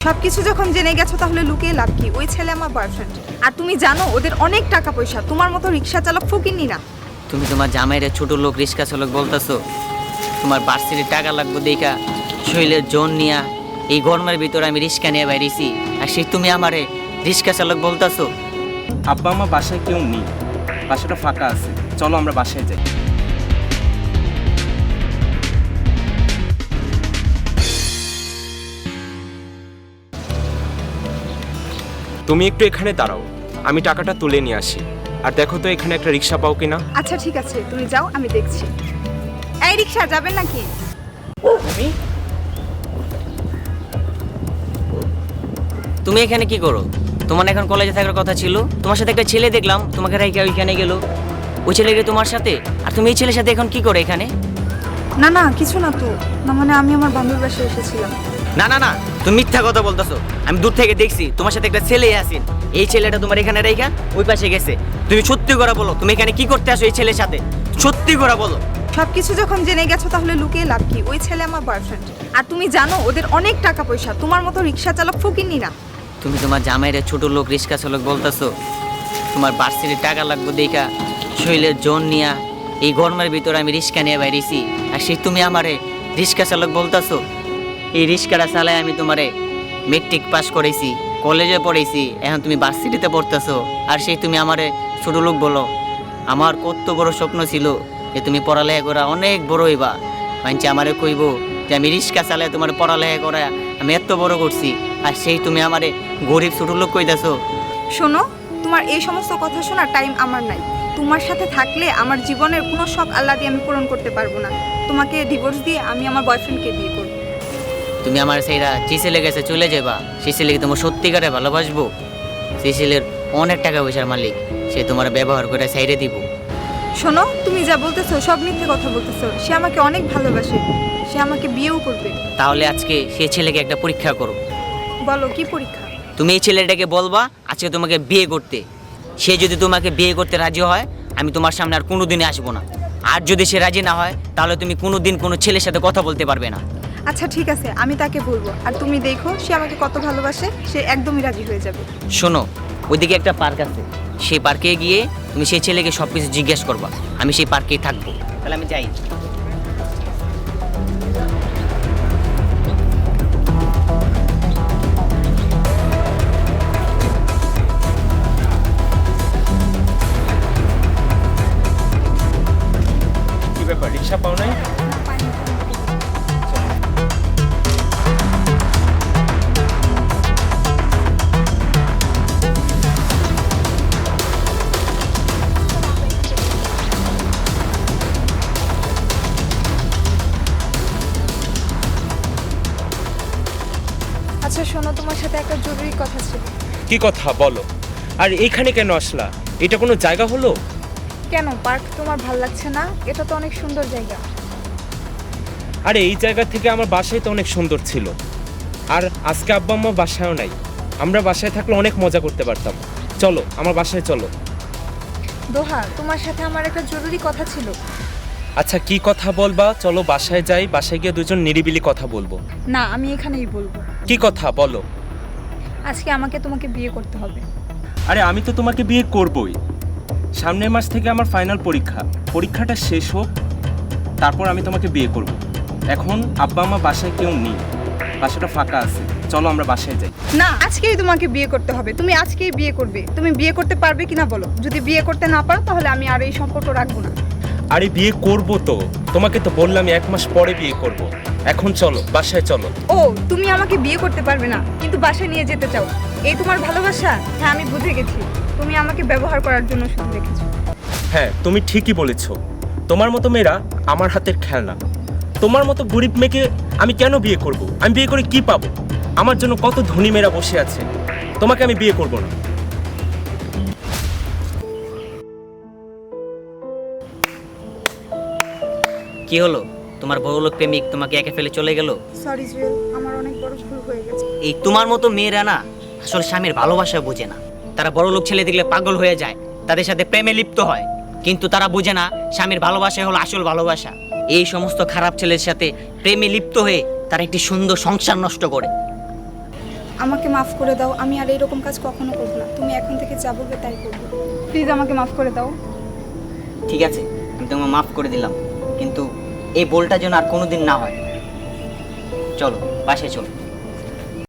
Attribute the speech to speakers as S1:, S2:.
S1: সবকিছু যখন জেনে গেছো তাহলে লুকিয়ে লাভ কি? ওই ছেলে আমার বয়ফ্রেন্ড। আর তুমি জানো ওদের অনেক টাকা পয়সা, তোমার মতো রিক্সা চালক ফকিন্নি না।
S2: তুমি তোমার জামাইরে ছোট লোক রিক্সা চালক বলতেছো? তোমার বার্ষিক টাকা লাগবে দেখা শৈলের জোন নিয়া এই গরমের ভিতরে আমি রিক্সা নিয়ে বাইরেছি, আর সেই তুমি আমারে রিক্সা চালক বলতেছো?
S3: আব্বা আমার বাসায় কেউ নেই, বাসাটা ফাঁকা আছে, চলো আমরা বাসায় যাই। তুমি একটু এখানে দাঁড়াও, আমি টাকাটা তুলে নিয়ে আসি। আর দেখো তো এখানে একটা রিক্সা পাও কিনা।
S1: আচ্ছা ঠিক আছে, তুমি যাও, আমি দেখছি। এই রিক্সা যাবেন নাকি?
S2: তুমি এখানে কি করো? তোমার এখন কলেজে থাকার কথা ছিল, তোমার সাথে একটা ছেলে দেখলাম তোমাকে রাইখা ওইখানে গেল, ওই ছেলে গিয়ে তোমার সাথে, আর তুমি এই ছেলের সাথে এখন কি করো এখানে?
S1: না না কিছু না তো, না মানে আমি আমার বান্ধবীর বাসায় এসেছিলাম।
S2: না না না, তুমি মিথ্যা কথা বলতেছো। আমি দূর থেকে দেখছি তোমার সাথে একটা ছেলে আসেন, এই ছেলেটা তোমার এখানে রাইখা ওই পাশে গেছে। তুমি সত্যি করে বলো, তুমি এখানে কি করতে আসো এই ছেলের সাথে? সত্যি করে বলো।
S1: সবকিছু যখন জেনে গেছো তাহলে লুকিয়ে লাভ কি? ওই ছেলে আমার বয়ফ্রেন্ড। আর তুমি জানো ওদের অনেক টাকা পয়সা, তোমার মতো রিক্সা চালক ফকিন্নি না।
S2: তুমি তোমার জামাইরে ছোট লোক রিক্সা চালক বলতেছো? তোমার বার্ষিক টাকা লাগবে দেখা শৈলের জোন নিয়া এই গরমের ভিতরে আমি রিক্সা নিয়ে বাইরেছি, আর সেই তুমি আমারে রিক্সা চালক বলতেছো? এই রিক্সাটা চালায় আমি তোমারে মেট্রিক পাস করেছি, কলেজে পড়েছি, এখন তুমি ভার্সিটিতে পড়তেছো, আর সেই তুমি আমারে ছোট লোক বলো? আমার কত বড় স্বপ্ন ছিল যে তুমি পড়ালেখা করা অনেক বড় হইবা, মানছি আমারে কইব যে আমি রিক্সা চালায় তোমার পড়ালেখা করা আমি এত বড় করছি, আর সেই তুমি আমারে গরিব ছোট লোক কইতাছো?
S1: শোনো, তোমার এই সমস্ত কথা শোনার টাইম আমার নাই। তোমার সাথে থাকলে আমার জীবনের কোনো শখ আল্লাহ দিয়ে আমি পূরণ করতে পারবো না। তোমাকে ডিভোর্স দিয়ে আমি আমার বয়ফ্রেন্ডকে বিয়ে করবো।
S2: তুমি আমার সেইরা যে ছেলে গেছে চলে যাবা, সেই ছেলেকে তোমার সত্যিকারে ভালোবাসবো? সেই ছেলের অনেক টাকা পয়সার মালিক, সে তোমার ব্যবহার করে সাইডে দিব?
S1: শোনো, তুমি যা বলতেছো সব মিথ্যে কথা বলতেছো। সে আমাকে অনেক ভালোবাসে, সে আমাকে বিয়েও করবে।
S2: তাহলে আজকে সেই ছেলেকে একটা পরীক্ষা করো।
S1: বলো কি পরীক্ষা?
S2: তুমি এই ছেলেটাকে বলবা আজকে তোমাকে বিয়ে করতে, সে যদি তোমাকে বিয়ে করতে রাজি হয় আমি তোমার সামনে আর কোনোদিনই আসবো না, আর যদি সে রাজি না হয় তাহলে তুমি কোনোদিন কোনো ছেলের সাথে কথা বলতে পারবে না।
S1: আচ্ছা ঠিক আছে, আমি তাকে বলবো। আর তুমি দেখো সে আমাকে কত ভালোবাসে, সে একদমই রাজি হয়ে যাবে।
S2: শোনো, ওইদিকে একটা পার্ক আছে, সেই পার্কে গিয়ে তুমি সেই ছেলেকে সব কিছু জিজ্ঞেস করবা, আমি সেই পার্কেই থাকবো। তাহলে আমি যাই।
S3: কি ব্যাপার, রিক্সা পাও নাই?
S1: আচ্ছা শোনো, তোমার সাথে একটা জরুরি কথা ছিল।
S3: কি কথা বলো? আর এইখানে কেন আসলা? এটা কোনো জায়গা হলো?
S1: কেন, পার্ক তোমার ভাল লাগছে না? এটা তো অনেক সুন্দর জায়গা।
S3: আরে এই জায়গা থেকে আমার বাসায় তো অনেক সুন্দর ছিল, আর আজকে আব্বা আম্মা বাসায়ও নাই। আমরা বাসায় থাকলে অনেক মজা করতে পারতাম। চলো আমার বাসায় চলো।
S1: দোহা, তোমার সাথে আমার একটা জরুরি কথা ছিল।
S3: আচ্ছা কি কথা বলবা? চলো বাসায় যাই, বাসায় গিয়ে দুজন নিরিবিলি কথা বলবো।
S1: না, আমি এখানেই বলবো।
S3: কি কথা বলো?
S1: আজকে আমাকে তোমাকে বিয়ে করতে হবে।
S3: আরে আমি তো তোমাকে বিয়ে করবই। সামনের মাস থেকে আমার ফাইনাল পরীক্ষা, পরীক্ষাটা শেষ হোক, তারপর আমি তোমাকে বিয়ে করব। এখন আব্বা আম্মা বাসায় কেউ নেই, বাসাটা ফাঁকা আছে, চলো আমরা বাসায় যাই।
S1: না, আজকেই তোমাকে বিয়ে করতে হবে। তুমি আজকেই বিয়ে করবে। তুমি বিয়ে করতে পারবে কিনা বলো? যদি বিয়ে করতে না পারো তাহলে আমি আর এই সম্পর্ক রাখবো না।
S3: আরে বিয়ে করব তো, তোমাকে তো বললাম 1 মাস পরে বিয়ে করব। এখন চলো বাসায় চলো।
S1: ও, তুমি আমাকে বিয়ে করতে পারবে না কিন্তু বাসায় নিয়ে যেতে চাও, এই তোমার ভালোবাসা? হ্যাঁ আমি বুঝে গেছি, তুমি আমাকে ব্যবহার করার জন্য শুধু রেখেছো।
S3: হ্যাঁ তুমি ঠিকই বলেছো, তোমার মতো মেয়েরা আমার হাতের খেলনা। তোমার মতো গরিব মেয়েকে আমি কেন বিয়ে করব? আমি বিয়ে করে কি পাবো? আমার জন্য কত ধনী মেয়েরা বসে আছে, তোমাকে আমি বিয়ে করব না।
S2: কি হলো, তোমার বড়লোক প্রেমিক তোমাকে একে ফেলে চলে গেল?
S1: সরি জুয়েল, আমার অনেক বড় ভুল হয়ে গেছে।
S2: এই তোমার মতো মেয়েরা না আসলে স্বামীর ভালোবাসা বোঝে না। তারা বড়লোক ছেলে দেখলে পাগল হয়ে যায়, তাদের সাথে প্রেমে লিপ্ত হয়, কিন্তু তারা বোঝে না স্বামীর ভালোবাসা হলো আসল ভালোবাসা। এই সমস্ত খারাপ ছেলের সাথে প্রেমে লিপ্ত হয়ে তারা একটি সুন্দর সংসার নষ্ট করে।
S1: আমাকে মাফ করে দাও, আমি আর এরকম কাজ কখনো করবো না। তুমি এখন থেকে যা বলবে তাই করবো। প্লিজ আমাকে মাফ করে দাও।
S2: ঠিক আছে, আমি তোমাকে মাফ করে দিলাম, কিন্তু এই ভুলটা যেন আর কোনোদিন না হয়। চলো বাসায় চলো।